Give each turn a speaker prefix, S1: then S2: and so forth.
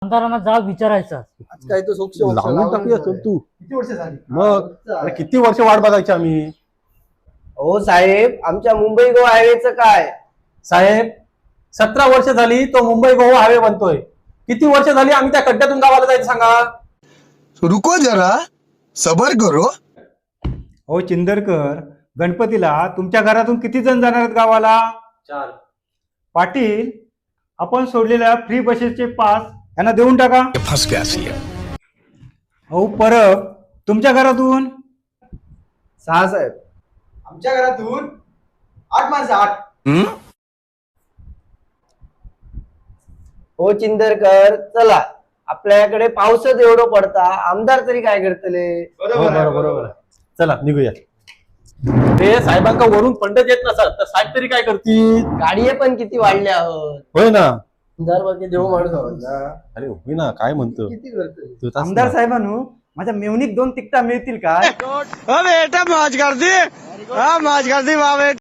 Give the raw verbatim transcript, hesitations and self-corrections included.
S1: आमदारांना जाब विचारायचा.
S2: आज काय तो सोक्ष
S3: लावून टाकूया चल तू.
S2: किती वर्ष झाली
S3: मग अरे किती वर्ष वाट बघायची आम्ही.
S4: हो साहेब, आमच्या मुंबई गोवा हायवेचं काय?
S3: साहेब सतरा वर्ष झाली तो मुंबई गोवा हायवे बनतोय. किती वर्ष झाली आम्ही त्या खड्ड्यातून गावाला जायचं सांगा.
S5: रुको जरा सबर करो.
S6: हो चिंदरकर, गणपतीला तुमच्या घरातून किती जण जाणार आहेत गावाला?
S3: चार.
S6: पाटील, आपण सोडलेल्या फ्री बसेसचे पास यांना देऊन टाका.
S5: फंस गया सी
S6: हो परब, तुमच्या घरातून?
S4: सहा साहेब.
S2: आमच्या घरातून आठ माणसं आठ.
S4: हो चिंदरकर, चला आपल्याकडे पावसच एवढं पडता, आमदार तरी काय करतले?
S3: हो, बरोबर बरोबर. चला निघूया. ते साहेबांका वरून फंड येत नसत तर साहेब तरी काय करतील.
S4: गाडी पण किती वाढल्या आहोत.
S3: होय ना.
S4: आमदार बाकी देऊ माणूस आहोत ना.
S3: अरे होय ना, काय म्हणतो
S4: किती करतोय?
S3: तू तास
S6: आमदार
S3: ना.
S6: साहेबांनो, माझ्या मेवणीक दोन तिकटा मिळतील काय?
S5: बेटा मौज कर दी, हाँ मौज कर दी वाह बेटा.